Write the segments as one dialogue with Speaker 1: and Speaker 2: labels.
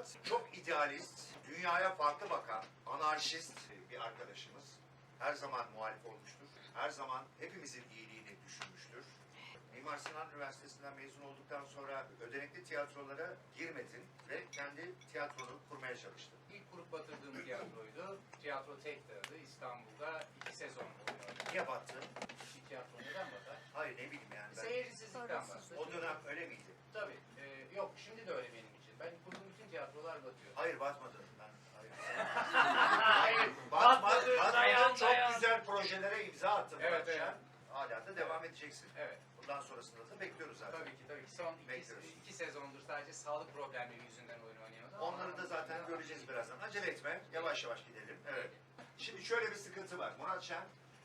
Speaker 1: Murat çok idealist, dünyaya farklı bakan, anarşist bir arkadaşımız. Her zaman muhalif olmuştur. Her zaman hepimizin iyiliğini düşünmüştür. Mimar Sinan Üniversitesi'nden mezun olduktan sonra ödenekli tiyatrolara girmedin ve kendi tiyatronu kurmaya çalıştın.
Speaker 2: İlk kurup batırdığım tiyatroydu. Tiyatro Tek'ti İstanbul'da 2 sezon oynadım.
Speaker 1: Niye battın?
Speaker 2: Bir tiyatro neden batar?
Speaker 1: Hayır ne bileyim yani. Ben...
Speaker 2: Seyircisizlikten battı.
Speaker 1: O dönem öyle miydi?
Speaker 2: Tabii. Yok şimdi de öyle benim için. Ben kurduğum bütün tiyatrolar batıyor.
Speaker 1: Hayır batmadın. Ben
Speaker 2: Hayır.
Speaker 1: Batmadın. Çok güzel projelere imza attın.
Speaker 2: Evet,
Speaker 1: Muratcan.
Speaker 2: evet.
Speaker 1: Hala da devam edeceksin.
Speaker 2: Evet.
Speaker 1: Bundan sonrasında da bekliyoruz zaten.
Speaker 2: Tabii ki. Son
Speaker 1: Bekliyoruz.
Speaker 2: iki sezondur sadece sağlık problemleri yüzünden oyun oynuyordu.
Speaker 1: Onları da zaten göreceğiz birazdan. Acele etme. Yavaş yavaş gidelim. Evet. Şimdi şöyle bir sıkıntı var. Murat Şen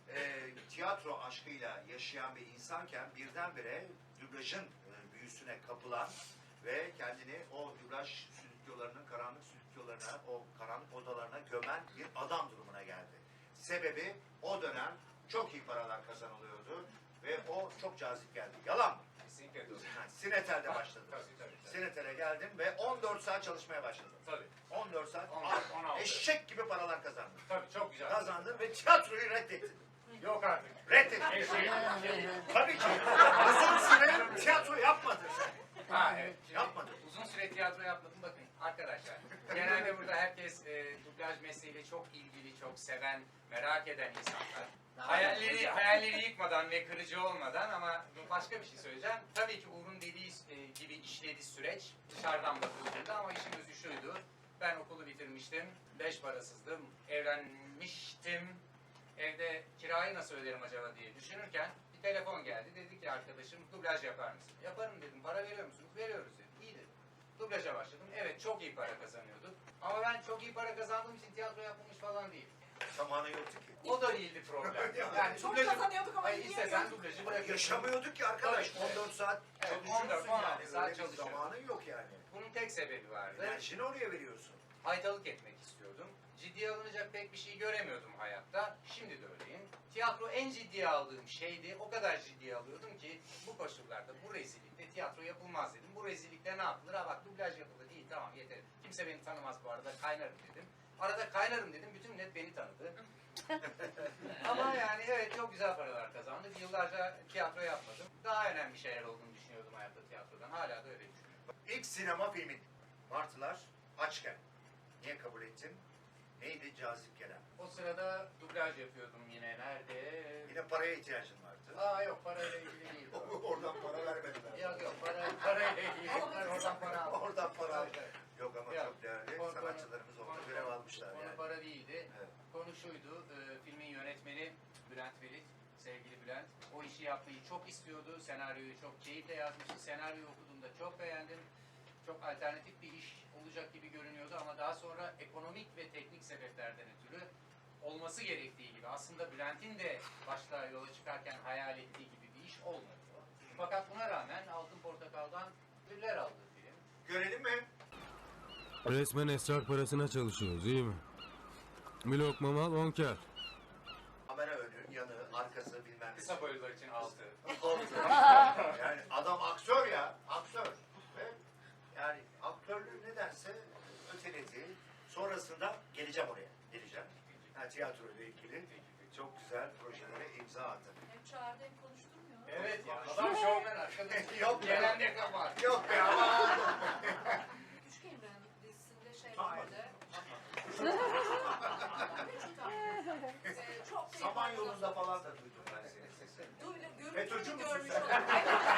Speaker 1: tiyatro aşkıyla yaşayan bir insanken birdenbire dublajın büyüsüne kapılan ve kendini o dublaj stüdyolarının karanlık stüdyolarına, o karanlık odalarına gömen bir adam durumuna geldi. Sebebi o dönem çok iyi paralar kazanılıyordu ve o çok cazip geldi. Yalan mı?
Speaker 2: Kesinlikle doğru.
Speaker 1: Sinetel'de başladım.
Speaker 2: Tabii.
Speaker 1: Sinetel'e geldim ve 14 saat çalışmaya başladım.
Speaker 2: Tabii.
Speaker 1: 14 saat
Speaker 2: 16.
Speaker 1: eşek gibi paralar kazandım.
Speaker 2: Tabii çok güzel.
Speaker 1: Kazandım ve tiyatroyu reddettim.
Speaker 2: Yok artık.
Speaker 1: Reddettim. Tabii ki. Uzun süre tiyatro yapmadın sen.
Speaker 2: Ha evet. Şimdi
Speaker 1: Yapmadım.
Speaker 2: Uzun süre tiyatro yapmadım. Bakın arkadaşlar. Genelde burada herkes dublaj mesleğiyle çok ilgili, çok seven, merak eden insanlar. Hayalleri yıkmadan ve kırıcı olmadan ama başka bir şey söyleyeceğim. Tabii ki Uğur'un dediği gibi işledi süreç dışarıdan bakıldığında ama işin özü şuydu. Ben okulu bitirmiştim, 5 parasızdım, evlenmiştim. Evde kirayı nasıl öderim acaba diye düşünürken bir telefon geldi. Dedi ki arkadaşım dublaj yapar mısın? Yaparım dedim. Para veriyor musunuz? Veriyoruz dedim. İyi dedim. Dublaja başladım. Evet çok iyi para kazanıyorduk. Ama ben çok iyi para kazandığım için tiyatro yapılmış falan değil.
Speaker 1: Zamanı yoktu ki.
Speaker 2: O da değildi problem. Yani
Speaker 3: Çok kazanıyorduk ama
Speaker 2: istesen dublajı bırakıyordun.
Speaker 1: Yaşamıyorduk ki arkadaş.
Speaker 2: Tabii.
Speaker 1: 14 saat
Speaker 2: Evet,
Speaker 1: çalışıyorsun
Speaker 2: 14,
Speaker 1: yani.
Speaker 2: 16 saat
Speaker 1: Öyle bir
Speaker 2: çalışıyorum.
Speaker 1: zamanın yok yani.
Speaker 2: Bunun tek sebebi vardı.
Speaker 1: Enerjini oraya veriyorsun.
Speaker 2: Haytalık etmek istiyordum. Ciddiye alınacak pek bir şey göremiyordum hayatta. Şimdi de öyleyim. Tiyatro en ciddiye aldığım şeydi. O kadar ciddiye alıyordum ki bu koşullarda, bu rezillikte tiyatro yapılmaz dedim. Bu rezillikte ne yapılır? Ha bak dublaj yapıldı değil tamam yeter. Kimse beni tanımaz bu arada kaynarım dedim. Arada kaynarım dedim. Bütün millet beni tanıdı. Ama yani evet çok güzel paralar kazandık. Yıllarca tiyatro yapmadım. Daha önemli şeyler olduğunu düşünüyordum hayatta tiyatrodan. Hala da öyle düşünüyorum.
Speaker 1: İlk sinema filmin Martılar Açken. Niye kabul ettin? Neydi cazip gelen?
Speaker 2: O sırada dublaj yapıyordum yine. Nerede?
Speaker 1: Yine paraya ihtiyacın vardı.
Speaker 2: Aa yok parayla ilgili değil.
Speaker 1: Oradan para vermediler.
Speaker 2: Yok parayla ilgili. Ben oradan para aldım.
Speaker 1: Oradan para aldım.
Speaker 2: Evet.
Speaker 1: Yok ama
Speaker 2: Yok.
Speaker 1: çok değerli sanatçılarımız orada görev almışlar
Speaker 2: Konu
Speaker 1: yani.
Speaker 2: para değildi.
Speaker 1: Evet.
Speaker 2: Konu şuydu. Filmin yönetmeni Bülent Velit, sevgili Bülent. O işi yapmayı çok istiyordu. Senaryoyu çok keyifle yazmıştı. Senaryoyu okuduğumda çok beğendim. Çok alternatif bir iş olacak gibi görünüyordu ama daha sonra ekonomik ve teknik sebeplerden ötürü olması gerektiği gibi aslında Bülent'in de başta yola çıkarken hayal ettiği gibi bir iş olmadı. Fakat buna rağmen Altın Portakal'dan ödüller aldı film.
Speaker 1: Görelim mi?
Speaker 4: Resmen esrar parasına çalışıyoruz, iyi mi? Bir lokma mal 10 kâr.
Speaker 1: Kamera önü, yanı, arkası bilmem ne.
Speaker 2: Kısa boylular için altı.
Speaker 1: Yani adam aktör ya, aktör. Ve yani aktörlüğü nedense öteledi. Sonrasında geleceğim oraya, geleceğim. Yani tiyatro ile ilgili çok güzel projelere imza attı.
Speaker 3: Hem çağırdı hem konuşturmuyor.
Speaker 2: Evet ya adam şovmen arkadaş.
Speaker 1: Yok be.
Speaker 2: Gelen ne kabahat.
Speaker 1: Yok be ama.
Speaker 3: Küçük Emre'nin dizisinde şey
Speaker 1: Tamam.
Speaker 3: vardı. Çok
Speaker 1: Saman yolunda falan da duydum ben senin sesini. FETÖ'cü müsün
Speaker 3: görmüş
Speaker 1: sen?
Speaker 3: oldum.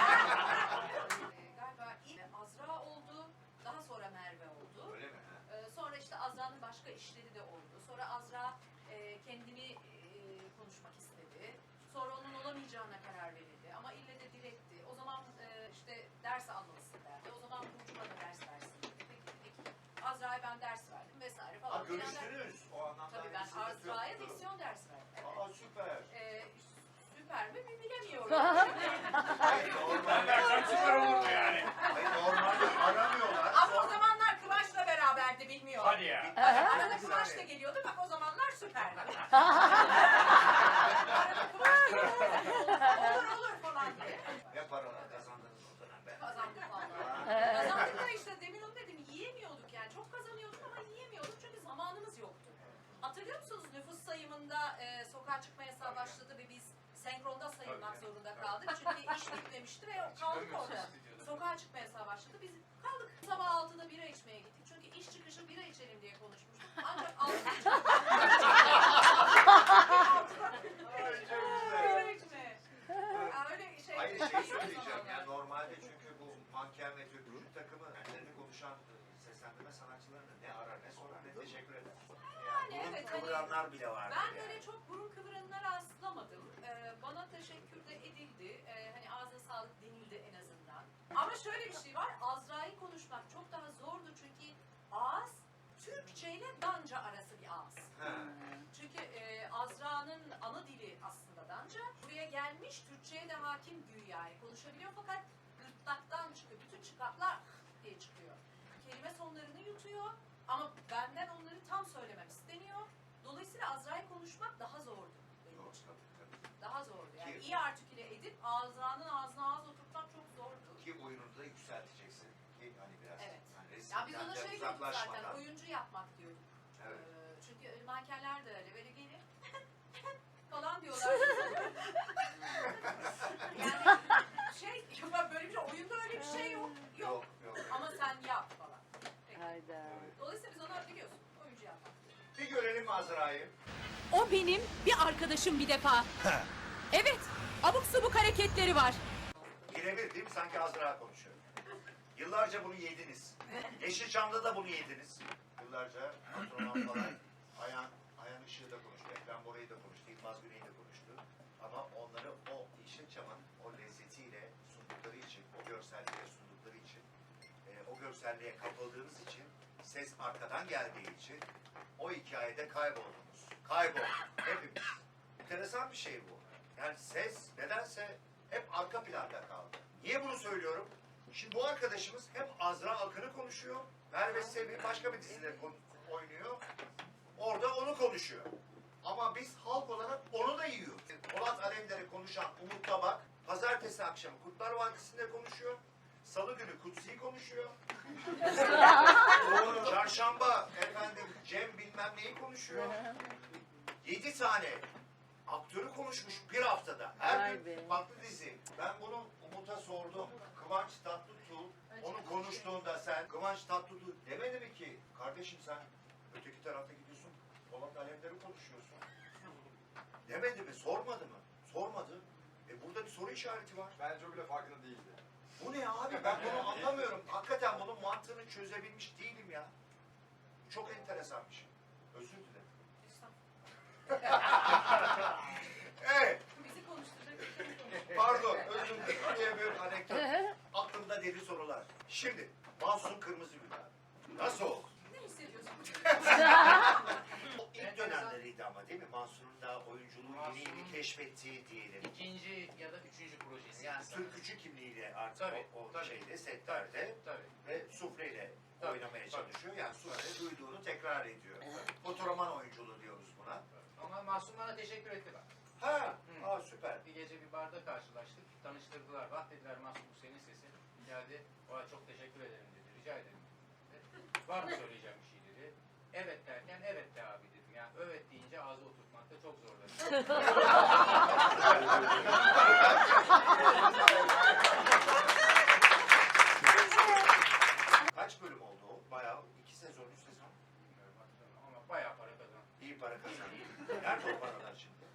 Speaker 3: Galiba ilk Azra oldu. Daha sonra Merve oldu.
Speaker 1: Öyle mi?
Speaker 3: Sonra işte Azra'nın başka işleri de oldu. Sonra Azra kendini konuşmak istedi. Sonra onun olamayacağına karar verildi. Ama ille de diretti. O zaman işte ders almalısın derdi. O zaman Burcu'na da ders versin dedi. Peki Azra'ya ben ders verdim vesaire falan.
Speaker 1: Ha görüştünüz o anlamda.
Speaker 3: Tabii ben Azra'ya diksiyon ders verdim. Evet.
Speaker 1: Aa süper.
Speaker 3: Süper mi bilemiyorum.
Speaker 1: Hayır normalde
Speaker 2: Süper olurdu yani.
Speaker 1: Hayır normalde aramıyorlar.
Speaker 3: Ama o zamanlar Kıvanç'la beraberdi bilmiyorum.
Speaker 2: Hadi ya.
Speaker 3: Arada Kıvanç da geliyordu bak o zamanlar süperdi. Arada Kıvanç da geliyordu. Olur falan diye.
Speaker 1: Ne paralar kazandınız o dönem be.
Speaker 3: Kazandık vallahi. Kazandık da işte demin onu dedim yiyemiyorduk yani çok
Speaker 1: manken ve türkücü takımı kendilerini konuşan seslendirme sanatçılarını ne arar ne sorar ne teşekkür eder.
Speaker 3: Yani
Speaker 1: Burun
Speaker 3: evet,
Speaker 1: kıvıranlar bile vardır
Speaker 3: Ben
Speaker 1: yani.
Speaker 3: böyle çok burun kıvıranına rastlamadım. Bana teşekkür de edildi. Hani ağzına sağlık denildi en azından. Ama şöyle bir şey var. Azra'yı konuşmak çok daha zordu çünkü ağız Türkçe ile Danca arası bir ağız.
Speaker 1: Ha.
Speaker 3: Çünkü Azra'nın ana dili aslında Danca. Buraya gelmiş Türkçe'ye de hakim güya konuşabiliyor fakat gırtlaktan çıkıyor. Bütün çıkartlar diye çıkıyor. Kelime sonlarını yutuyor ama benden onları tam söylemem isteniyor. Dolayısıyla Azra'yı konuşmak daha zordu benim
Speaker 1: Doğru,
Speaker 3: için.
Speaker 1: tabii.
Speaker 3: Daha zordu. Yani
Speaker 1: Ki-
Speaker 3: iyi artiküle edip Azra'nın ağzına ağız oturtmak çok zordu.
Speaker 1: Ki oyununu da yükselteceksin. Ki hani biraz
Speaker 3: Evet.
Speaker 1: hani
Speaker 3: Ya biz
Speaker 1: resimden
Speaker 3: ona
Speaker 1: de
Speaker 3: şey diyorduk zaten,
Speaker 1: uzaklaşmadan.
Speaker 3: oyuncu yapmak diyorduk.
Speaker 1: Evet.
Speaker 3: Çünkü mankenler de öyle, böyle gelip falan diyorlar. Yani şey, böyle bir şey, oyunda öyle bir şey yok. Yok.
Speaker 1: Yok.
Speaker 3: Ama sen yap falan. Peki.
Speaker 5: Hayda.
Speaker 1: Evet.
Speaker 3: Dolayısıyla biz ona biliyorsun, oyuncu yapmak.
Speaker 1: Bir görelim Azra'yı.
Speaker 6: O benim bir arkadaşım bir defa. Evet, abuk subuk hareketleri var.
Speaker 1: Birebir değil mi? Sanki Azra konuşuyor. Yıllarca bunu yediniz. Yeşilçam'da da bunu yediniz. Yıllarca astronom falan. Ayhan Işık'ı da konuştu. Ekrem Bora'yı da konuştu. İlmaz Güney'i de konuştu. Ama onları o Yeşilçam'ın o lezzetiyle sundukları için, o görselliğiyle sundukları için, o görselliğe kapıldığınız için, ses arkadan geldiği için o hikayede kayboldunuz. Kaybolduk. Hepimiz. Enteresan bir şey bu. Yani ses nedense hep arka planda kaldı. Niye bunu söylüyorum? Şimdi bu arkadaşımız hep Azra Akın'ı konuşuyor. Merve Sevi başka bir dizide oynuyor. Orada onu konuşuyor. Ama biz halk olarak onu da yiyoruz. Polat Alemdar'ı konuşan Umut Tabak, pazartesi akşamı Kurtlar Vadisi'nde konuşuyor. Salı günü Kutsi'yi konuşuyor. Çarşamba efendim Cem bilmem neyi konuşuyor. 7 tane aktörü konuşmuş bir haftada. Her
Speaker 5: Vay
Speaker 1: gün
Speaker 5: be.
Speaker 1: farklı dizi. Ben bunu Umut'a sordum. Kıvanç Tatlıtuğ onu konuştuğunda sen Kıvanç Tatlıtuğ demedi mi ki kardeşim sen öteki tarafta gidiyorsun Polat Alemdar'ı konuşuyorsun. Demedi mi? Sormadı mı? Sormadı. Burada bir soru işareti var.
Speaker 7: Bence o bile farkında değildi.
Speaker 1: Bu ne abi? Ben bunu anlamıyorum. Hakikaten bunun mantığını çözebilmiş değilim ya. Çok enteresan bir şey. Özür dilerim. Evet.
Speaker 3: Bizi konuşturacak.
Speaker 1: Pardon, özür dilerim diye bir anekdot. Aklımda deli sorular. Şimdi, Mahsun Kırmızıgül abi. Nasıl oldu?
Speaker 3: Ne hissediyorsun?
Speaker 1: O ilk dönemleriydi ama değil mi? Mahsun'un da oyunculuğu yeni yeni keşfettiği diyelim.
Speaker 2: İkinci ya da üçüncü projesi.
Speaker 1: Yani türkücü kimliğiyle artık
Speaker 2: Tabii,
Speaker 1: o
Speaker 2: tabii.
Speaker 1: şeyde, setlerde
Speaker 2: Tabii.
Speaker 1: ve sufleyle
Speaker 2: Tabii,
Speaker 1: oynamaya
Speaker 2: tabii.
Speaker 1: çalışıyor. Yani sufle duyduğunu tekrar ediyor. Fotoğraman oyunculuğu diyoruz buna.
Speaker 2: Ama Mahsun bana teşekkür etti bak.
Speaker 1: Ha,
Speaker 2: Hı.
Speaker 1: süper.
Speaker 2: Bir gece bir barda karşılaştık. Tanıştırdılar. Bak dediler Mahsun bu senin sesin. Geldi. Ona çok teşekkür ederim dedi. Rica ederim dedi. Var mı söyleyeceğim bir şey dedi. Evet derken evet de abi dedim. Yani evet deyince ağzı oturtmakta çok zorladım.
Speaker 1: Kaç bölüm oldu o? Bayağı 2 sezon, 3 sezon.
Speaker 2: Bilmiyorum hatırlamıyorum ama bayağı para kazandım.
Speaker 1: İyi para kazandı. Nerede o paralar şimdi?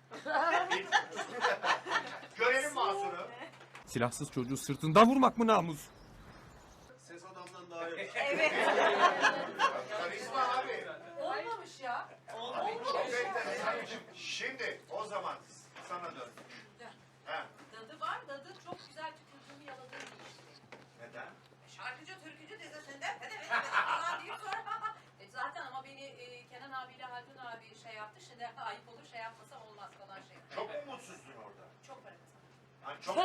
Speaker 1: Görelim Mahsun'u.
Speaker 8: Silahsız çocuğu sırtından vurmak mı namus?
Speaker 7: Ses adamdan daha iyi.
Speaker 1: Karizma abi.
Speaker 3: Olmamış ya.
Speaker 1: Çok enteresan. Şimdi o zaman sana dön. Ha,
Speaker 3: Dadı var, dadı çok güzel tükürdüğümü yaladığım bir işte.
Speaker 1: neden?
Speaker 3: Şarkıcı, türkücü dizisinde falan deyip sonra zaten ama beni Kenan abiyle Haldun abi şey yaptı. Şimdi ayıp olur şey yapmasam olmaz falan şey.
Speaker 1: Çok mu mutsuzdun orada?
Speaker 3: Çok para kazandım.
Speaker 1: Hani çok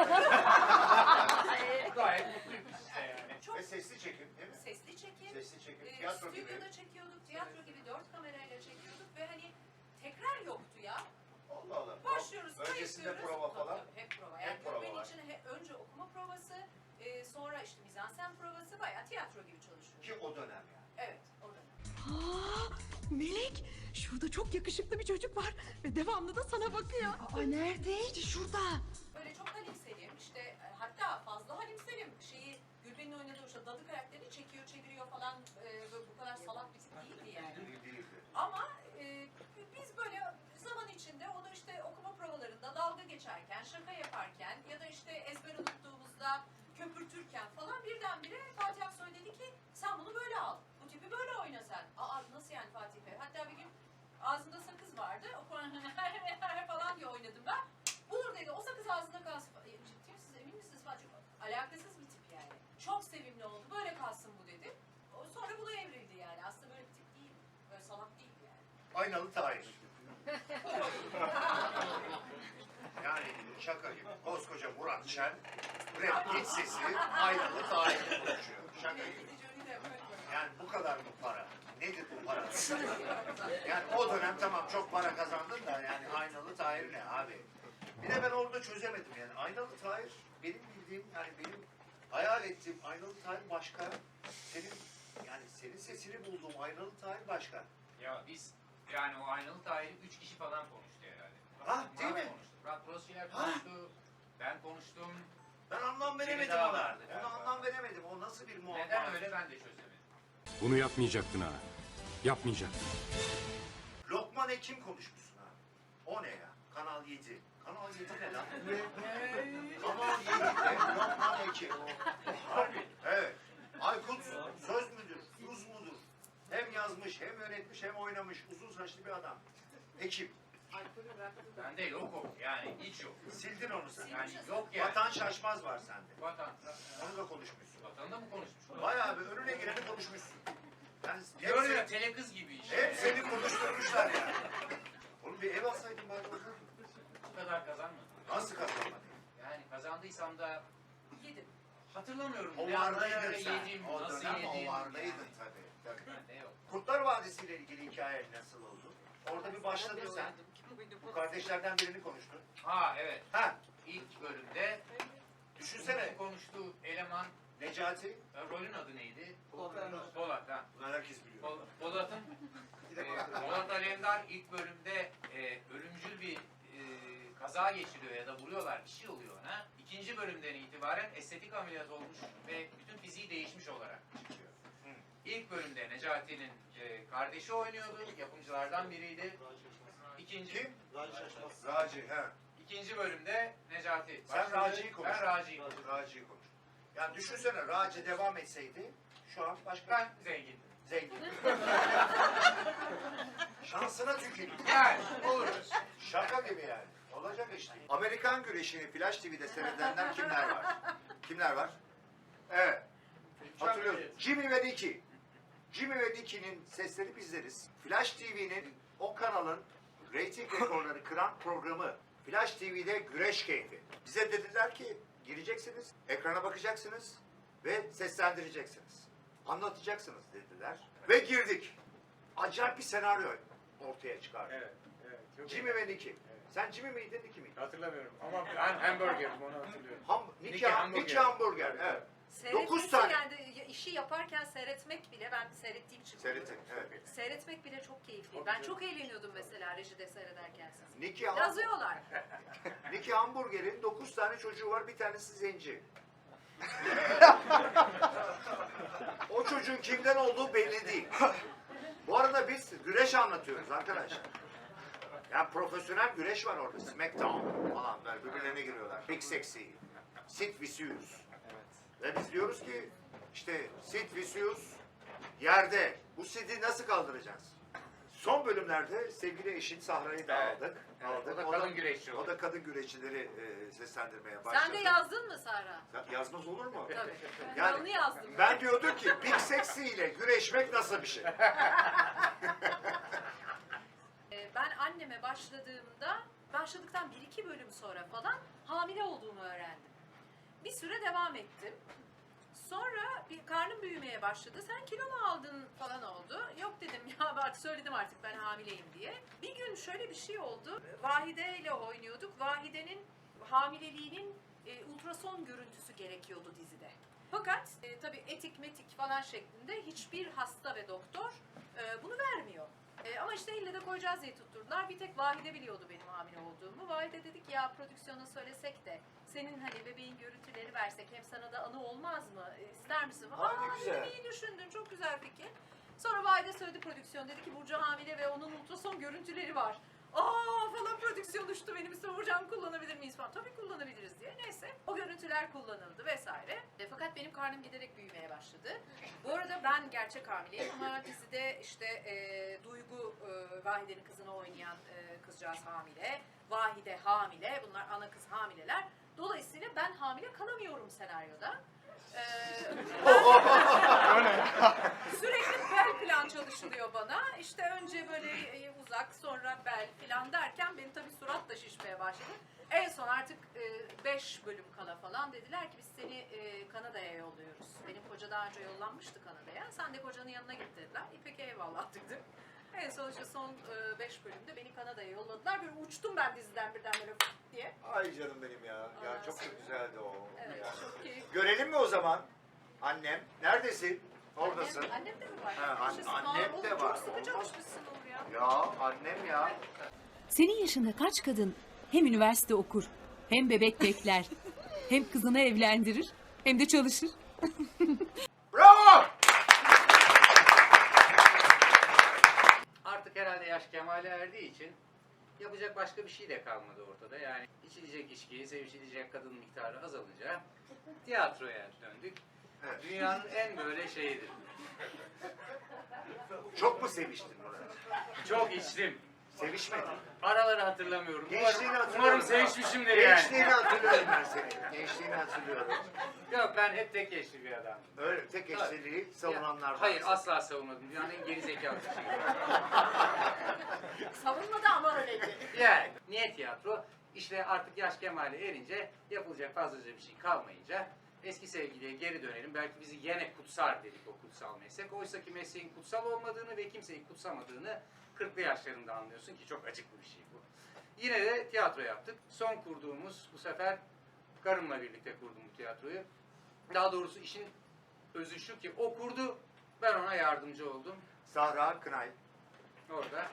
Speaker 2: Gayet mutluyum işte yani.
Speaker 3: Çok
Speaker 1: Ve sesli çekim değil mi?
Speaker 3: sesli çekim.
Speaker 1: Sesli çekim, tiyatro gibi.
Speaker 3: Stüdyoda çekiyorduk, tiyatro gibi 4 kamerayla çekiyorduk ve hani tekrar yoktu ya.
Speaker 1: Allah Allah.
Speaker 3: Başlıyoruz,
Speaker 1: Öncesinde
Speaker 3: kayıtlıyoruz.
Speaker 1: prova falan.
Speaker 3: Tabii, hep prova.
Speaker 1: Hep
Speaker 3: Yani
Speaker 1: prova
Speaker 3: benim
Speaker 1: var.
Speaker 3: için önce okuma provası, sonra işte mizansen provası, bayağı tiyatro gibi çalışıyoruz.
Speaker 1: Ki o dönem yani.
Speaker 3: Evet, o dönem.
Speaker 6: Melek, şurada çok yakışıklı bir çocuk var ve devamlı da sana bakıyor. Aa, nerede? İşte şurada.
Speaker 3: Böyle çok Halim Selim, işte hatta fazla Halim Selim şeyi Gülben'in oynadığı işte dadı karakterini çekiyor, çeviriyor falan böyle bu kadar salak bir tip değildi yani.
Speaker 1: Değildi.
Speaker 3: Ama biz böyle zaman içinde onu işte okuma provalarında dalga geçerken, şaka yaparken ya da işte ezber unuttuğumuzda köpürtürken falan birden
Speaker 1: Aynalı Tahir. Yani şaka gibi. Koskoca Murat Şen, rap sesi Aynalı Tahir'le konuşuyor. Şaka gibi. Yani bu kadar mı para? Nedir bu para? Yani o dönem tamam çok para kazandın da yani Aynalı Tahir ne abi? Bir de ben orada çözemedim yani. Aynalı Tahir benim bildiğim yani benim hayal ettiğim Aynalı Tahir başka. Senin sesini bulduğum Aynalı Tahir başka.
Speaker 2: Ya biz yani o Aynalı Tahir'i 3 kişi falan konuştu herhalde.
Speaker 1: Ha, değil
Speaker 2: Murat
Speaker 1: mi?
Speaker 2: konuştu. Murat Brosçiler
Speaker 1: Ha.
Speaker 2: konuştu. Ben konuştum.
Speaker 1: Ben anlam veremedim
Speaker 2: daha
Speaker 1: ona.
Speaker 2: vardı
Speaker 1: Ona
Speaker 2: galiba.
Speaker 1: anlam veremedim. O nasıl bir muamma?
Speaker 2: Neden öyle ben de çözemedim.
Speaker 8: Bunu yapmayacaktın ha. Yapmayacaktın.
Speaker 1: Lokman Hekim konuşmuşsun ha. O ne ya? Kanal 7. Kanal 7 ne lan? Kanal 7'de Lokman Hekim.
Speaker 2: Harbi.
Speaker 1: Evet. Aykut söz müdür? Tuz mudur? Hem yazmış, hem yönetmiş, hem oynamış. Uzun saçlı bir adam. Hekim.
Speaker 2: Bende yok o. Yani hiç yok.
Speaker 1: Sildin onu sen.
Speaker 2: Yani yok yani.
Speaker 1: Vatan Şaşmaz var sende.
Speaker 2: Vatan.
Speaker 1: Onu da konuşmuşsun.
Speaker 2: Vatanında mı konuşmuş?
Speaker 1: Bayağı bir önüne gireni konuşmuşsun. Yani
Speaker 2: Diyorum ya
Speaker 1: hep,
Speaker 2: telekız gibi işte.
Speaker 1: hep seni konuşturmuşlar yani. Oğlum bir ev alsaydın bari orada.
Speaker 2: Bu kadar kazanmadım.
Speaker 1: Nasıl kazanmadın?
Speaker 2: Yani kazandıysam da
Speaker 3: Yedim.
Speaker 2: hatırlamıyorum.
Speaker 1: O
Speaker 2: Ne
Speaker 1: vardaydın
Speaker 2: ara
Speaker 1: sen.
Speaker 2: yedim,
Speaker 1: O
Speaker 2: nasıl
Speaker 1: dönem
Speaker 2: yedim.
Speaker 1: o vardaydın
Speaker 2: yani.
Speaker 1: tabii.
Speaker 2: Bende yok.
Speaker 1: Kurtlar Vadisi ile ilgili hikayen nasıl oldu? Orada bir başladın sen. Bu kardeşlerden birini konuştun.
Speaker 2: Ha evet.
Speaker 1: Ha,
Speaker 2: İlk bölümde
Speaker 1: düşünsene.
Speaker 2: konuştuğu eleman
Speaker 1: Necati.
Speaker 2: rolün adı neydi? Polat. Ha.
Speaker 1: Bunlar herkes biliyor.
Speaker 2: Polat'ın Polat Alemdar ilk bölümde ölümcül bir kaza geçiriyor ya da vuruyorlar, bir şey oluyor ona. İkinci bölümden itibaren estetik ameliyat olmuş ve bütün fiziği değişmiş olarak çıkıyor. İlk bölümde Necati'nin kardeşi oynuyordu, yapımcılardan biriydi.
Speaker 1: Kim? Raci. He.
Speaker 2: İkinci bölümde Necati.
Speaker 1: Sen Raci'yi konuş.
Speaker 2: Ben Raci'yi konuştum.
Speaker 1: Raci'yi konuş. Yani düşünsene Raci devam etseydi şu an başka
Speaker 2: Ben zengindim.
Speaker 1: zengin. Şansına tüküreyim.
Speaker 2: Yani olur.
Speaker 1: Şaka gibi yani. Olacak işte. Amerikan güreşini Flash TV'de seyredenler kimler var? Kimler var? Evet. Hatırlıyoruz. Jimmy ve Nicky. Jimmy ve Nicky'nin sesleri bizleriz. Flash TV'nin o kanalın reyting rekorları kıran programı Flash TV'de Güreş Keyfi. Bize dediler ki gireceksiniz, ekrana bakacaksınız ve seslendireceksiniz. Anlatacaksınız dediler. Ve girdik. Acayip bir senaryo ortaya çıkardı.
Speaker 2: Evet. Çok
Speaker 1: Jimmy ve Nicky. Sen Jimmy miydin, Nicky miydin?
Speaker 2: Hatırlamıyorum ama ben hamburgerim onu hatırlıyorum.
Speaker 1: Nicky Hamburger. Evet. 9 tane.
Speaker 3: Yani işi yaparken seyretmek bile, ben seyrettiğim için.
Speaker 1: Seyrettin, evet.
Speaker 3: Seyretmek bile çok keyifli. Ben çok eğleniyordum mesela rejide seyrederken siz.
Speaker 1: Nicky
Speaker 3: Yazıyorlar.
Speaker 1: Hamburger'in 9 tane çocuğu var, bir tanesi zenci. O çocuğun kimden olduğu belli değil. Bu arada biz güreş anlatıyoruz arkadaşlar. Yani profesyonel güreş var orada. Smackdown falan böyle birbirlerine giriyorlar. Big Sexy, Sid Vicious. Ve biz diyoruz ki işte Sid Vicious yerde. Bu Sid'i nasıl kaldıracağız? Son bölümlerde sevgili eşin Sahra'yı da
Speaker 2: Evet.
Speaker 1: aldık.
Speaker 2: Evet, o da kadın güreşçi
Speaker 1: O
Speaker 2: oldu.
Speaker 1: da kadın güreşçileri seslendirmeye başladı.
Speaker 3: Sen de yazdın mı Sara?
Speaker 1: Yazmaz olur mu?
Speaker 3: Tabii.
Speaker 1: Yani
Speaker 3: Ben onu yazdım.
Speaker 1: ben diyordum ki Big Sexy ile güreşmek nasıl bir şey?
Speaker 3: Ben anneme başladıktan 1-2 bölüm sonra falan hamile olduğumu öğrendim. Bir süre devam ettim. Sonra bir karnım büyümeye başladı. Sen kilo mu aldın falan oldu. Yok dedim ya artık söyledim artık ben hamileyim diye. Bir gün şöyle bir şey oldu. Vahide ile oynuyorduk. Vahide'nin hamileliğinin ultrason görüntüsü gerekiyordu dizide. Fakat tabii etik metik falan şeklinde hiçbir hasta ve doktor bunu vermiyor. Ama işte ille de koyacağız diye tutturdular. Bir tek Vahide biliyordu benim hamile olduğumu. Vahide dedik ya prodüksiyona söylesek de senin hani bebeğin görüntüleri versek hem sana da anı olmaz mı? İster misin?
Speaker 1: Ne güzel.
Speaker 3: Dedim, iyi düşündün. Çok güzel fikir. Sonra Vahide söyledi prodüksiyon. Dedi ki Burcu hamile ve onun ultrason görüntüleri var. Falan prodüksiyon uçtu benim üstüme. Burcu'm kullanabilir miyiz falan. Tabii kullanabiliriz diye. Neyse o görüntüler kullanıldı vesaire. Fakat benim karnım giderek büyümeye başladı. Bu arada ben gerçek hamileyim ama dizide işte Duygu Vahide'nin kızını oynayan kızcağız hamile. Vahide hamile. Bunlar ana kız hamileler. Dolayısıyla ben hamile kalamıyorum senaryoda. Sürekli bel plan çalışılıyor bana. İşte önce böyle uzak, sonra bel filan derken benim tabii surat da şişmeye başladı. En son artık 5 bölüm kala falan dediler ki biz seni Kanada'ya yolluyoruz. Benim koca daha önce yollanmıştı Kanada'ya. Sen de kocanın yanına git dediler. Peki eyvallah dedim. En son işte son 5 bölümde beni Kanada'ya yolladılar. Böyle uçtum ben diziden birden böyle fıt diye.
Speaker 1: Ay canım benim ya. Ya
Speaker 3: Ondan
Speaker 1: çok
Speaker 3: sonra-
Speaker 1: güzeldi o.
Speaker 3: Evet,
Speaker 1: Yani.
Speaker 3: çok keyifli.
Speaker 1: Görelim mi o zaman? Annem. Neredesin? Oradasın.
Speaker 3: Annem de mi var?
Speaker 1: Ha,
Speaker 3: Yaşasın.
Speaker 1: annem
Speaker 3: Aa,
Speaker 1: de
Speaker 3: oğlum,
Speaker 1: var.
Speaker 3: Çok sıkı çalışmışsın Uğur ya.
Speaker 1: Ya annem ya.
Speaker 5: Senin yaşında kaç kadın hem üniversite okur, hem bebek bekler, hem kızını evlendirir, hem de çalışır.
Speaker 1: Bravo!
Speaker 2: Artık herhalde yaş kemale erdiği için yapacak başka bir şey de kalmadı ortada. Yani içilecek içki, sevişilecek kadın miktarı azalınca tiyatroya döndük.
Speaker 1: Evet.
Speaker 2: Dünyanın en böyle şeyidir.
Speaker 1: Çok mu seviştin Murat?
Speaker 2: Çok içtim.
Speaker 1: Sevişmedin.
Speaker 2: Araları hatırlamıyorum.
Speaker 1: Gençliğini hatırlıyorum.
Speaker 2: Umarım sevişmişimdir yani.
Speaker 1: Gençliğini hatırlıyorum ben senin. Gençliğini hatırlıyorum.
Speaker 2: Yok, ben hep tek eşli bir adamdım.
Speaker 1: Öyle tek eşliliği savunanlardan.
Speaker 2: Hayır, asla savunmadım. Dünyanın en gerizekalı bir şeyi.
Speaker 3: Savunmadı ama öyleydi.
Speaker 2: Yani niye tiyatro? İşte artık yaş kemale erince yapılacak fazlaca bir şey kalmayınca eski sevgiliye geri dönelim. Belki bizi yine kutsar dedik o kutsal meslek. Oysa ki mesleğin kutsal olmadığını ve kimseyi kutsamadığını 40'lı yaşlarında anlıyorsun ki çok acıklı bir şey bu. Yine de tiyatro yaptık. Son kurduğumuz, bu sefer karımla birlikte kurdum bu tiyatroyu. Daha doğrusu işin özü şu ki o kurdu, ben ona yardımcı oldum.
Speaker 1: Sahra Kınay.
Speaker 2: Orada.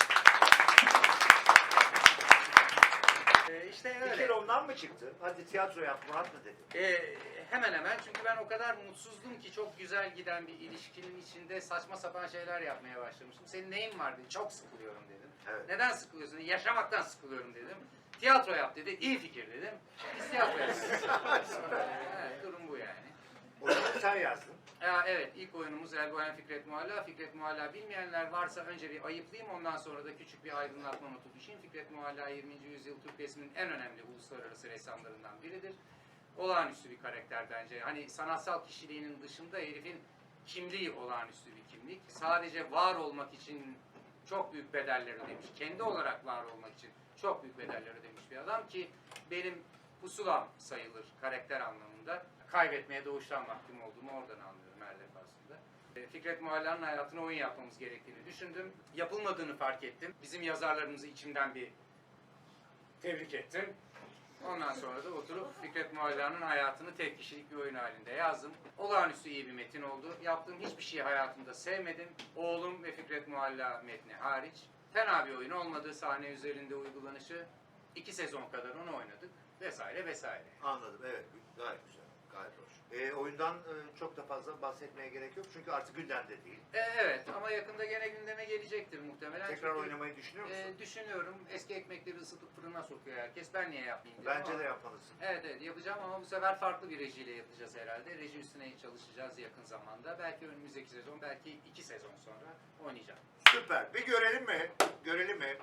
Speaker 2: İşte
Speaker 1: Fikir
Speaker 2: öyle.
Speaker 1: ondan mı çıktı? Hadi tiyatro yap Murat mı dedi?
Speaker 2: Hemen hemen, çünkü ben o kadar mutsuzdum ki çok güzel giden bir ilişkinin içinde saçma sapan şeyler yapmaya başlamıştım. Senin neyin var dedi. Çok sıkılıyorum dedim.
Speaker 1: Evet.
Speaker 2: Neden sıkılıyorsun? Yaşamaktan sıkılıyorum dedim. Tiyatro yap dedi. İyi fikir dedim. Biz tiyatro yapıyoruz. Evet, durum bu yani.
Speaker 1: Oyunu sen yazdın.
Speaker 2: Evet, ilk oyunumuz Elbohen Fikret Mualla. Fikret Mualla bilmeyenler varsa önce bir ayıplayayım, ondan sonra da küçük bir aydınlatma notu düşeyim. Fikret Mualla 20. yüzyıl Türk resminin en önemli uluslararası ressamlarından biridir. Olağanüstü bir karakter bence. Hani sanatsal kişiliğinin dışında herifin kimliği olağanüstü bir kimlik. Sadece var olmak için çok büyük bedeller ödemiş. Kendi olarak var olmak için çok büyük bedeller ödemiş bir adam ki benim pusulam sayılır karakter anlamında. Kaybetmeye doğuştan mahkum olduğumu oradan anlıyorum her defasında. Fikret Mualla'nın hayatına oyun yapmamız gerektiğini düşündüm. Yapılmadığını fark ettim. Bizim yazarlarımızı içimden bir tebrik ettim. Ondan sonra da oturup Fikret Mualla'nın hayatını tek kişilik bir oyun halinde yazdım. Olağanüstü iyi bir metin oldu. Yaptığım hiçbir şeyi hayatımda sevmedim. Oğlum ve Fikret Mualla metni hariç. Fena bir oyun olmadı. Sahne üzerinde uygulanışı. 2 sezon kadar onu oynadık. Vesaire vesaire.
Speaker 1: Anladım, evet. Gayet güzel, gayet hoş. Oyundan çok da fazla bahsetmeye gerek yok çünkü artık gündemde değil.
Speaker 2: Evet, ama yakında gene gündeme gelecektir muhtemelen.
Speaker 1: Tekrar
Speaker 2: Çünkü,
Speaker 1: oynamayı düşünüyor musun?
Speaker 2: Düşünüyorum. Eski ekmekleri ısıtıp fırına sokuyor herkes. Ben niye yapmayayım dedim
Speaker 1: Bence
Speaker 2: ama-
Speaker 1: de yapmalısın.
Speaker 2: Evet, evet yapacağım ama bu sefer farklı bir rejiyle yapacağız herhalde. Reji üstüne çalışacağız yakın zamanda. Belki önümüzdeki sezon, belki 2 sezon sonra oynayacağım.
Speaker 1: Süper. Bir görelim mi? Görelim mi?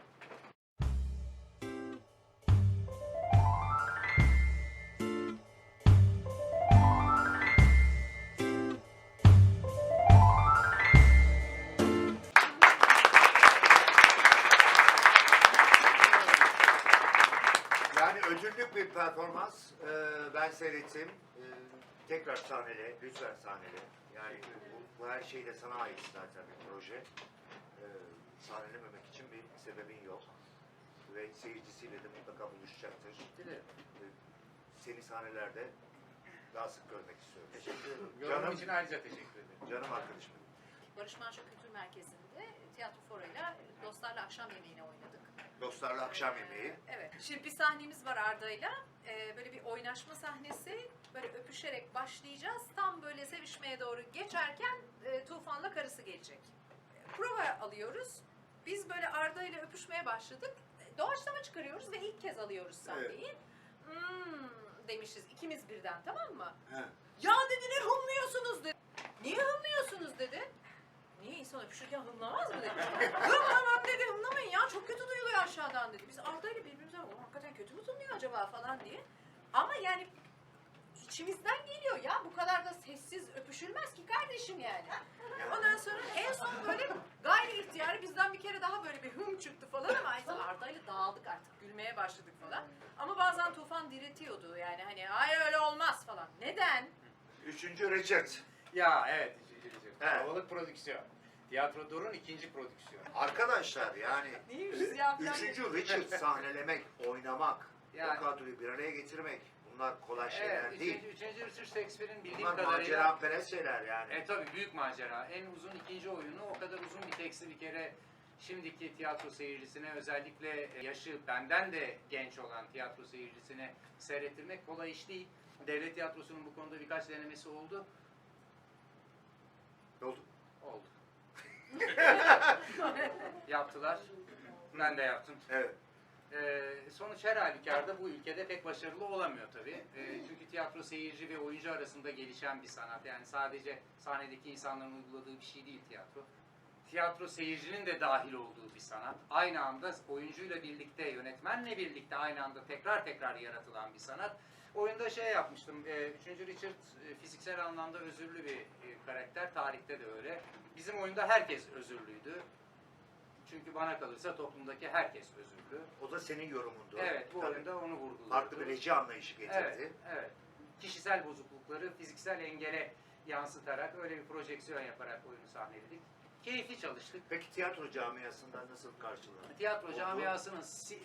Speaker 1: Yani ödüllük bir performans. Ben seyrettim. Tekrar sahnele, lütfen sahnele. Yani bu her şey de sana ait zaten bir proje. Sahnelememek için bir sebebin yok. Ve seyircisiyle de mutlaka buluşacaktır.
Speaker 2: Dilerim.
Speaker 1: Seni sahnelerde daha sık görmek istiyorum.
Speaker 2: Teşekkür ederim.
Speaker 1: Canım.
Speaker 2: Yorum için ayrıca teşekkür ederim.
Speaker 1: Canım arkadaşım.
Speaker 3: Barış Manço Kültür Merkezi'nde tiyatro forayla Dostlarla Akşam Yemeği'ni oynadık.
Speaker 1: Dostlarla akşam yemeği.
Speaker 3: Evet. Şimdi bir sahnemiz var Arda'yla. Böyle bir oynaşma sahnesi. Böyle öpüşerek başlayacağız. Tam böyle sevişmeye doğru geçerken Tufan'la karısı gelecek. Prova alıyoruz. Biz böyle Arda'yla öpüşmeye başladık. Doğaçlama çıkarıyoruz ve ilk kez alıyoruz sahneyi. Demişiz ikimiz birden, tamam mı?
Speaker 1: He.
Speaker 3: Ya dedi, ne hımlıyorsunuz dedi. Niye hımlıyorsunuz dedi. Niye insan öpüşürken hımlamaz mı dedi. Hımlamam dedi, hımlamayın ya, çok kötü duyuluyor aşağıdan dedi. Biz Arda ile birbirimize hakikaten kötü mü tınlıyor acaba falan diye. Ama yani içimizden geliyor ya. Bu kadar da sessiz öpüşülmez ki kardeşim yani. Ondan sonra en son böyle gayri ihtiyari bizden bir kere daha böyle bir hım çıktı falan ama Arda'yla dağıldık artık. Gülmeye başladık falan. Ama bazen Tufan diretiyordu yani hani hayır öyle olmaz falan. Neden?
Speaker 1: 3. Richard.
Speaker 2: Ya evet.
Speaker 1: Evet.
Speaker 2: Kalabalık prodüksiyon. Tiyatro Dur'un 2. prodüksiyonu.
Speaker 1: Arkadaşlar yani
Speaker 3: Neymişiz ya falan
Speaker 1: 3.
Speaker 3: dedi.
Speaker 1: Richard sahnelemek, oynamak,
Speaker 2: Yani-
Speaker 1: o kadroyu bir araya getirmek bunlar kolay şeyler
Speaker 2: Evet,
Speaker 1: değil.
Speaker 2: 3. Richard Shakespeare'in bildiğim
Speaker 1: Bunlar
Speaker 2: kadarıyla...
Speaker 1: maceraperest şeyler yani.
Speaker 2: Tabii büyük macera. En uzun 2. oyunu o kadar uzun bir teksti bir kere şimdiki tiyatro seyircisine özellikle yaşı benden de genç olan tiyatro seyircisine seyrettirmek kolay iş değil. Devlet tiyatrosunun bu konuda birkaç denemesi oldu.
Speaker 1: Ne oldu?
Speaker 2: Oldu. Yaptılar. Ben de yaptım.
Speaker 1: Evet.
Speaker 2: Sonuç her halükarda bu ülkede pek başarılı olamıyor tabii. Çünkü tiyatro seyirci ve oyuncu arasında gelişen bir sanat. Yani sadece sahnedeki insanların uyguladığı bir şey değil tiyatro. Tiyatro seyircinin de dahil olduğu bir sanat. Aynı anda oyuncuyla birlikte, yönetmenle birlikte aynı anda tekrar tekrar yaratılan bir sanat. Oyunda şey yapmıştım, 3. Richard fiziksel anlamda özürlü bir karakter, tarihte de öyle. Bizim oyunda herkes özürlüydü. Çünkü bana kalırsa toplumdaki herkes özürlü.
Speaker 1: O da senin yorumundu.
Speaker 2: Evet, bu
Speaker 1: Tabii.
Speaker 2: oyunda onu vurguladı.
Speaker 1: Farklı bir reji anlayışı getirdi.
Speaker 2: Evet, evet. Kişisel bozuklukları fiziksel engele yansıtarak öyle bir projeksiyon yaparak oyunu sahneledik. Keyifli çalıştık.
Speaker 1: Peki tiyatro camiasından nasıl karşılandı?
Speaker 2: Tiyatro
Speaker 1: Oldu.
Speaker 2: camiasının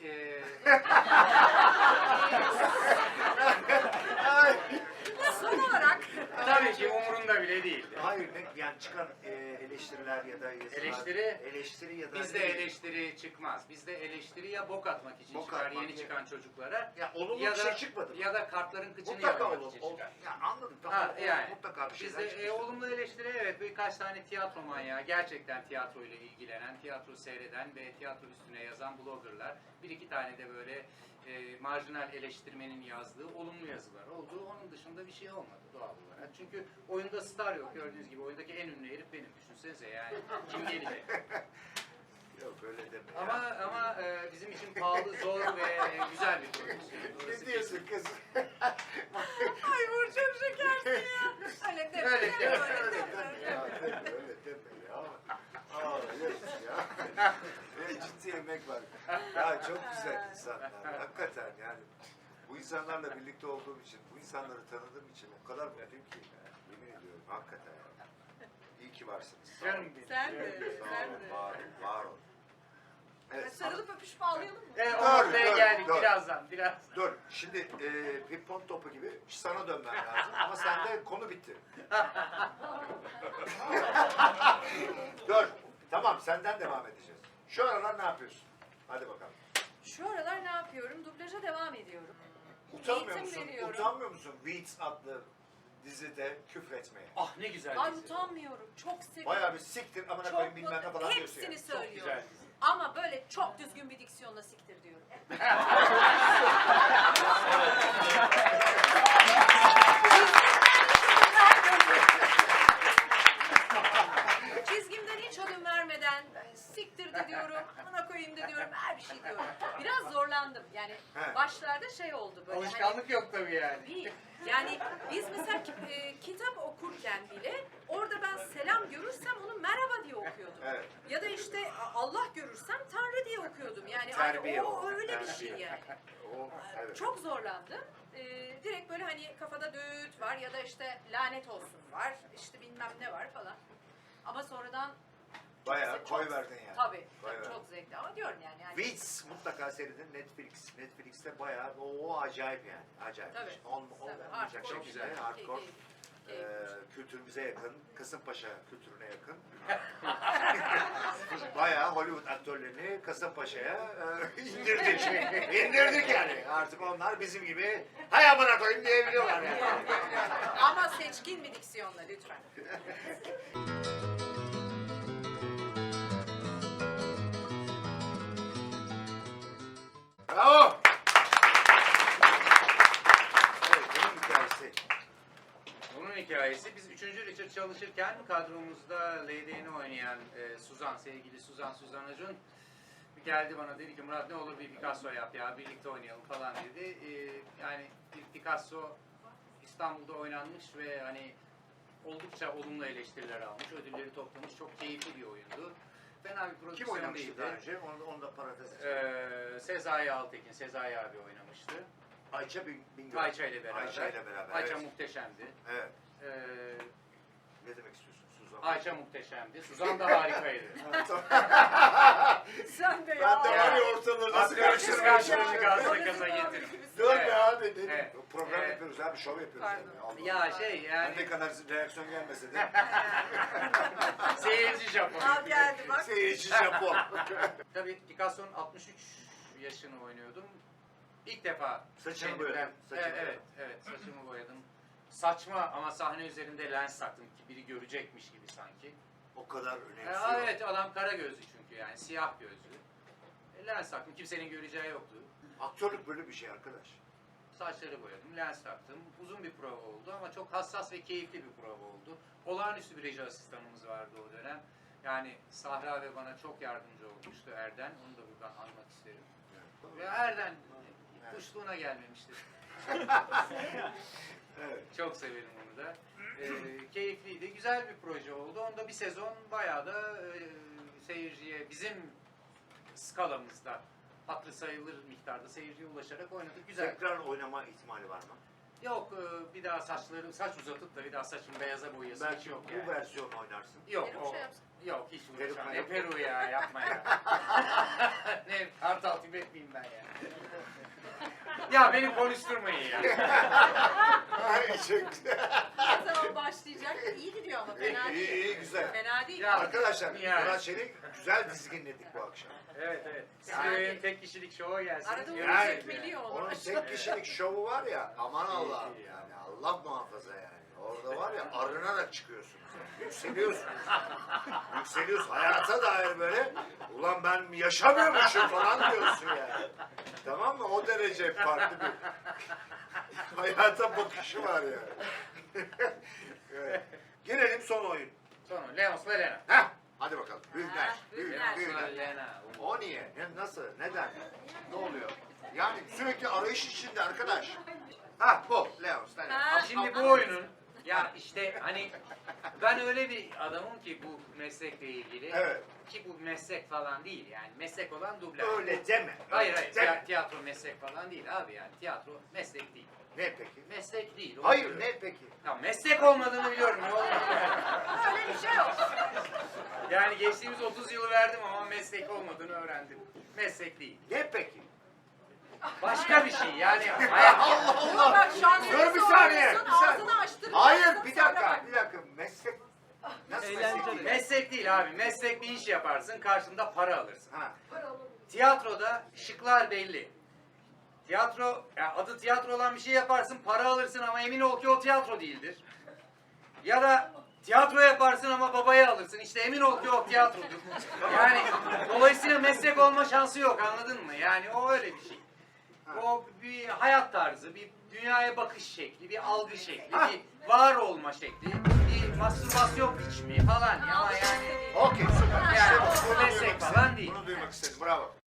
Speaker 3: Son olarak
Speaker 2: tabii ki umurunda bile değildi.
Speaker 1: Hayır, yani çıkan eleştiriler ya da yazılar. Eleştiri ya da...
Speaker 2: Bizde eleştiri çıkmaz. Bizde eleştiri ya bok atmak için
Speaker 1: Bok
Speaker 2: çıkar
Speaker 1: atmak
Speaker 2: yeni
Speaker 1: ya.
Speaker 2: çıkan çocuklara
Speaker 1: Ya olumlu
Speaker 2: ya
Speaker 1: bir
Speaker 2: da
Speaker 1: şey çıkmadı mı?
Speaker 2: ya da kartların kıçını
Speaker 1: Mutlaka
Speaker 2: yakmak
Speaker 1: olur.
Speaker 2: için çıkar.
Speaker 1: Ya anladım. Tamam.
Speaker 2: Ha, yani.
Speaker 1: Mutlaka bir şeyler
Speaker 2: Bizde
Speaker 1: çıkmıştır.
Speaker 2: olumlu eleştiri evet birkaç tane tiyatro manyağı gerçekten tiyatro ile ilgilenen, tiyatro seyreden ve tiyatro üstüne yazan bloggerlar. Bir iki tane de böyle marjinal eleştirmenin yazdığı olumlu yazılar oldu. Onun dışında bir şey olmadı doğal olarak. Çünkü oyunda star yok gördüğünüz gibi. Oyundaki en ünlü herif benim. Düşünsenize yani. Kim gelecek?
Speaker 1: Yok öyle deme.
Speaker 2: Ama bizim için pahalı, zor ve güzel bir prodüksiyon.
Speaker 1: Ne diyorsun kız?
Speaker 3: ay Burcu'm şekersin ya. Öyle deme.
Speaker 2: Öyle deme,
Speaker 3: öyle deme.
Speaker 1: Ya öyle deme ya. Aa evet ya. Ciddi emek var. Ya çok güzel insanlar. Hakikaten yani. Bu insanlarla birlikte olduğum için, bu insanları tanıdığım için o kadar mutluyum ki. Yemin ediyorum hakikaten ya. İyi ki varsınız. Sağ olun.
Speaker 2: Canım benim.
Speaker 3: Sen de,
Speaker 1: Sağ
Speaker 3: sen
Speaker 1: olun,
Speaker 3: de.
Speaker 1: var olun, var olun. Evet,
Speaker 3: Sarılıp öpüşüp ağlayalım mı?
Speaker 2: Evet, o
Speaker 1: Dur,
Speaker 2: noktaya
Speaker 1: dur,
Speaker 2: geldik
Speaker 1: dur.
Speaker 2: birazdan.
Speaker 1: Dur, şimdi pimpon topu gibi sana dönmem lazım ama sende konu bitti. Dur, tamam senden devam edeceğiz. Şu aralar ne yapıyorsun? Hadi bakalım.
Speaker 3: Şu aralar ne yapıyorum? Dublaja devam ediyorum.
Speaker 1: Utanmıyor
Speaker 3: Eğitim
Speaker 1: musun?
Speaker 3: veriyorum.
Speaker 1: Utanmıyor musun Weeds adlı dizide küfretmeye?
Speaker 2: Ah ne güzel
Speaker 3: Ay
Speaker 2: dizi.
Speaker 3: utanmıyorum. Çok seviyorum.
Speaker 1: Bayağı bir siktir amına
Speaker 3: Çok
Speaker 1: koyayım bilmem ne
Speaker 3: mutlu-
Speaker 1: falan diyorsun
Speaker 3: Hepsini
Speaker 1: yani.
Speaker 2: Çok
Speaker 3: söylüyorum.
Speaker 2: güzel dizi.
Speaker 3: Ama böyle çok düzgün bir diksiyonla siktir diyorum. Çizgimden hiç ödün vermeden siktir de diyorum, bana koyayım da diyorum, her bir şey diyorum. Biraz zorlandım. Yani
Speaker 1: He.
Speaker 3: başlarda şey oldu böyle.
Speaker 2: Alışkanlık yok tabii yani.
Speaker 3: Hani, yani biz mesela kitap okurken bile orada ben selam görürsem onu merhaba diye okuyordum.
Speaker 1: Evet.
Speaker 3: Ya da işte Allah görürsem Tanrı diye okuyordum. Yani
Speaker 1: Terbiye
Speaker 3: o
Speaker 1: o.
Speaker 3: öyle bir
Speaker 1: Terbiye.
Speaker 3: şey yani.
Speaker 1: O, evet.
Speaker 3: Çok zorlandım. Direkt böyle hani kafada düğüt var ya da işte lanet olsun var. İşte bilmem ne var falan. Ama sonradan
Speaker 1: Bayağı
Speaker 3: çok-
Speaker 1: koy verdin yani.
Speaker 3: tabii
Speaker 1: Bayağı.
Speaker 3: çok zevkli ama diyorum yani.
Speaker 1: Weeds mutlaka seyredin Netflix. Netflix'te bayağı o acayip yani. Acayip.
Speaker 3: Tabii.
Speaker 1: Olmayacak
Speaker 3: Hardcore
Speaker 1: şey
Speaker 2: çok güzel.
Speaker 1: güzel. Hardcore. Kültürümüze yakın, Kasımpaşa kültürüne yakın. Bayağı Hollywood aktörlerini Kasımpaşa'ya indirdik. İndirdik yani. Artık onlar bizim gibi hay amına koyayım diyebiliyorlar yani.
Speaker 3: Ama seçkin bir diksiyonla lütfen.
Speaker 1: Bravo. Evet, bunun hikayesi.
Speaker 2: Bunun hikayesi biz 3. Richard çalışırken kadromuzda Lady'ni oynayan Suzan, sevgili Suzan Acun geldi bana dedi ki Murat ne olur bir Picasso yap ya birlikte oynayalım falan dedi. Yani bir Picasso İstanbul'da oynanmış ve hani oldukça olumlu eleştiriler almış, ödülleri toplamış. Çok keyifli bir oyundu. Fena bir
Speaker 1: Kim
Speaker 2: prodüksiyon
Speaker 1: oynamıştı
Speaker 2: değildi.
Speaker 1: daha önce? Onu da parantez içelim.
Speaker 2: Sezai Altekin, Sezai abi oynamıştı.
Speaker 1: Ayça Bingöl.
Speaker 2: Ayça ile beraber.
Speaker 1: Ayça ile beraber.
Speaker 2: Ayça
Speaker 1: evet.
Speaker 2: muhteşemdi.
Speaker 1: Evet.
Speaker 2: Ee,
Speaker 1: Ne demek istiyorsun Suzan?
Speaker 2: Ayça muhteşemdi. Suzan da harikaydı.
Speaker 6: Sen de
Speaker 1: Ben de
Speaker 6: ya.
Speaker 1: var ya ortalığı nasıl
Speaker 2: Karşılık
Speaker 1: karıştırmışım.
Speaker 2: karşılık gaza getirin.
Speaker 1: Dur
Speaker 2: Evet.
Speaker 1: be abi dedim.
Speaker 2: Evet.
Speaker 1: Program
Speaker 2: Evet.
Speaker 1: yapıyoruz abi, şov yapıyoruz.
Speaker 6: Pardon.
Speaker 1: Yani. Allah
Speaker 2: Ya
Speaker 1: Allah.
Speaker 2: şey
Speaker 1: Ben
Speaker 2: yani
Speaker 1: ne kadar reaksiyon gelmese de
Speaker 2: seyirci Japon.
Speaker 6: Al geldi bak.
Speaker 1: seyirci Japon.
Speaker 2: Tabii Picasso'nun 63 yaşını oynuyordum. İlk defa
Speaker 1: Saçını
Speaker 2: kendimden-
Speaker 1: boyadın, saçını
Speaker 2: evet, saçımı boyadım. Saçma ama sahne üzerinde lens taktım ki biri görecekmiş gibi sanki.
Speaker 1: O kadar önemsiyor.
Speaker 2: Evet, adam kara gözlü çünkü yani siyah gözlü. Lens taktım, kimsenin göreceği yoktu.
Speaker 1: Aktörlük böyle bir şey arkadaş.
Speaker 2: Saçları boyadım, lens taktım. Uzun bir prova oldu ama çok hassas ve keyifli bir prova oldu. Olağanüstü bir reji asistanımız vardı o dönem. Yani Sahra ve bana çok yardımcı olmuştu Erden. Onu da buradan anmak isterim. Ve Erden kuşluğuna gelmemiştir.
Speaker 1: Evet.
Speaker 2: Çok severim onu da. Keyifliydi. Güzel bir proje oldu. Onda bir sezon bayağı da seyirciye bizim skalamızda hatırı sayılır miktarda seyirciye ulaşarak oynadık. Güzel.
Speaker 1: Tekrar oynama ihtimali var mı?
Speaker 2: Yok bir daha saç uzatıp da bir daha saçımı beyaza boyayası hiç
Speaker 1: Belki
Speaker 2: yok
Speaker 1: bu
Speaker 2: yani.
Speaker 1: versiyonu oynarsın.
Speaker 2: Yok
Speaker 3: Peruk
Speaker 2: o.
Speaker 3: şey yapsın.
Speaker 2: Yok hiç
Speaker 1: Peruk
Speaker 2: uğraşamam.
Speaker 1: mu
Speaker 2: Ne
Speaker 1: yok?
Speaker 2: Peru ya yapma ya. Ne kartal tibet miyim ben ya. Ya beni konuşturmayın ya.
Speaker 1: Ay çok güzel.
Speaker 3: Ne zaman başlayacak? İyi gidiyor ama fena
Speaker 1: İyi,
Speaker 3: değil.
Speaker 1: iyi, güzel.
Speaker 3: Fena değil.
Speaker 2: Ya,
Speaker 1: Arkadaşlar
Speaker 2: yani.
Speaker 1: Murat Çelik güzel dizginledik bu akşam.
Speaker 2: Evet.
Speaker 3: Yani.
Speaker 2: Size tek kişilik şova gelsin.
Speaker 3: Arada
Speaker 1: Yani-
Speaker 3: vuracak biliyor onu.
Speaker 1: Onun tek kişilik şovu var ya, aman
Speaker 2: İyi,
Speaker 1: Allah'ım
Speaker 2: iyi.
Speaker 1: yani Allah muhafaza yani. Orada var ya arınarak çıkıyorsunuz. Yükseliyorsunuz. Yükseliyorsun. Hayata dair böyle ulan ben yaşamıyormuşum falan diyorsun yani. Tamam mı? O derece farklı bir hayata bakışı var yani. Evet. Gelelim son oyun.
Speaker 2: Sonra Leons'la Lena.
Speaker 1: Heh, hadi bakalım. Büyükler.
Speaker 3: Ha, büyükler.
Speaker 1: Büyükler.
Speaker 2: Lena.
Speaker 1: O niye? Nasıl? Neden? Ne oluyor? Yani sürekli arayış içinde arkadaş. Ha bu. Leos.
Speaker 3: Ha,
Speaker 2: Şimdi bu
Speaker 3: ama-
Speaker 2: oyunun ya işte hani ben öyle bir adamım ki bu meslekle ilgili
Speaker 1: Evet.
Speaker 2: ki bu meslek falan değil yani meslek olan dublaj.
Speaker 1: Öyle deme.
Speaker 2: Hayır
Speaker 1: öyle deme.
Speaker 2: tiyatro meslek falan değil abi yani tiyatro meslek değil.
Speaker 1: Ne peki?
Speaker 2: Meslek değil. onu
Speaker 1: Hayır
Speaker 2: söylüyorum.
Speaker 1: ne peki?
Speaker 2: Ya meslek olmadığını biliyorum ne olur.
Speaker 3: Öyle bir şey yok.
Speaker 2: Yani geçtiğimiz 30 yılı verdim ama meslek olmadığını öğrendim. Meslek değil.
Speaker 1: Ne peki?
Speaker 2: Başka bir şey yani hayat.
Speaker 3: Yok bak şu an
Speaker 1: Dur bir
Speaker 3: nefes
Speaker 1: saniye,
Speaker 3: alıyorsun,
Speaker 1: bir saniye.
Speaker 3: ağzını açtırıyorsun.
Speaker 1: Hayır bir
Speaker 3: sonra
Speaker 1: dakika.
Speaker 3: bak.
Speaker 1: Bir dakika. Meslek. Nasıl meslek değil?
Speaker 2: Meslek değil abi. Meslek bir iş yaparsın karşında para alırsın.
Speaker 1: Ha.
Speaker 2: Tiyatroda şıklar belli. Tiyatro, ya adı tiyatro olan bir şey yaparsın, para alırsın ama emin ol ki o tiyatro değildir. Ya da tiyatro yaparsın ama babayı alırsın, işte emin ol ki o tiyatrodur. Yani dolayısıyla meslek olma şansı yok, anladın mı? Yani o öyle bir şey. O bir hayat tarzı, bir dünyaya bakış şekli, bir algı şekli, bir var olma şekli, bir mastürbasyon biçimi falan ya ama yani
Speaker 1: Okey süper.
Speaker 2: Yani
Speaker 1: İşte
Speaker 2: o
Speaker 1: bunu
Speaker 2: meslek
Speaker 1: duymak
Speaker 2: falan
Speaker 1: istedim.
Speaker 2: değil.
Speaker 1: Bunu duymak istedim. Bravo.